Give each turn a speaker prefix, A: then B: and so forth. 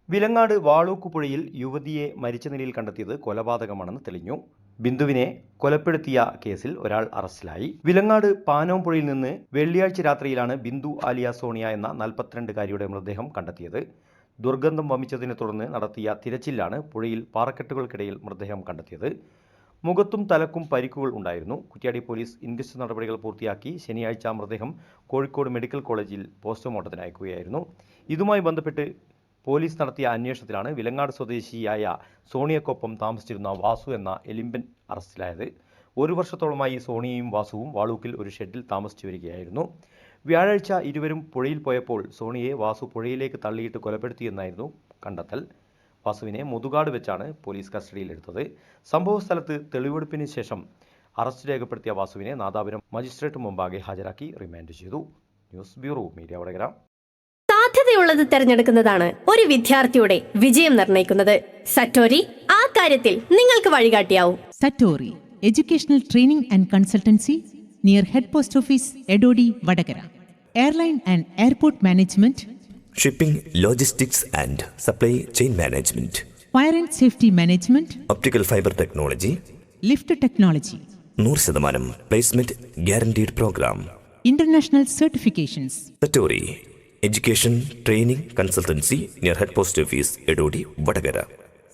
A: വിലങ്ങാട് വാളൂക്കുപുഴയിൽ യുവതിയെ മരിച്ച നിലയിൽ കണ്ടെത്തിയത് കൊലപാതകമാണെന്ന് തെളിഞ്ഞു. ബിന്ദുവിനെ കൊലപ്പെടുത്തിയ കേസിൽ ഒരാൾ അറസ്റ്റിലായി. വിലങ്ങാട് പാനോംപുഴയിൽ നിന്ന് വെള്ളിയാഴ്ച രാത്രിയിലാണ് ബിന്ദു ആലിയ സോണിയ എന്ന 42-കാരിയുടെ മൃതദേഹം കണ്ടെത്തിയത്. ദുർഗന്ധം വമിച്ചതിനെ തുടർന്ന് നടത്തിയ തിരച്ചിലാണ് പുഴയിൽ പാറക്കെട്ടുകൾക്കിടയിൽ മൃതദേഹം കണ്ടെത്തിയത്. മുഖത്തും തലക്കും പരിക്കുകൾ ഉണ്ടായിരുന്നു. കുറ്റ്യാടി പോലീസ് ഇൻക്വസ്റ്റ് നടപടികൾ പൂർത്തിയാക്കി ശനിയാഴ്ച മൃതദേഹം കോഴിക്കോട് മെഡിക്കൽ കോളേജിൽ പോസ്റ്റ്മോർട്ടത്തിന് അയക്കുകയായിരുന്നു. ഇതുമായി ബന്ധപ്പെട്ട് പോലീസ് നടത്തിയ അന്വേഷണത്തിലാണ് വിലങ്ങാട് സ്വദേശിയായ സോണിയക്കൊപ്പം താമസിച്ചിരുന്ന വാസു എന്ന എലിമ്പൻ അറസ്റ്റിലായത്. 1 വർഷത്തോളമായി സോണിയയും വാസുവും വാളൂക്കിൽ ഒരു ഷെഡിൽ താമസിച്ചു വരികയായിരുന്നു. വ്യാഴാഴ്ച ഇരുവരും പുഴയിൽ പോയപ്പോൾ സോണിയെ വാസു പുഴയിലേക്ക് തള്ളിയിട്ട് കൊലപ്പെടുത്തിയെന്നായിരുന്നു കണ്ടെത്തൽ. വാസുവിനെ മുതുകാട് വെച്ചാണ് പോലീസ് കസ്റ്റഡിയിലെടുത്തത്. സംഭവസ്ഥലത്ത് തെളിവെടുപ്പിന് ശേഷം അറസ്റ്റ് രേഖപ്പെടുത്തിയ വാസുവിനെ നാദാപുരം മജിസ്ട്രേറ്റ് മുമ്പാകെ ഹാജരാക്കി റിമാൻഡ് ചെയ്തു. News bureau, media Vadakara.
B: സാധ്യതയുള്ളത് തിരഞ്ഞെടുക്കുന്നതാണ് ഒരു വിദ്യാർത്ഥിയുടെ വിജയം നിർണ്ണയിക്കുന്നത്. സറ്റോരി ആ കാര്യത്തിൽ നിങ്ങൾക്ക് വഴികാട്ടിയാവും.
C: Satori educational training and consultancy near head post office Edodi Vadakara. Airline and airport management,
D: shipping, logistics and supply chain management,
C: fire and safety management,
D: optical fibre technology,
C: lift technology,
D: 100% placement guaranteed programme,
C: international certifications.
D: Satori education training consultancy near head post office Edodi Vadakara.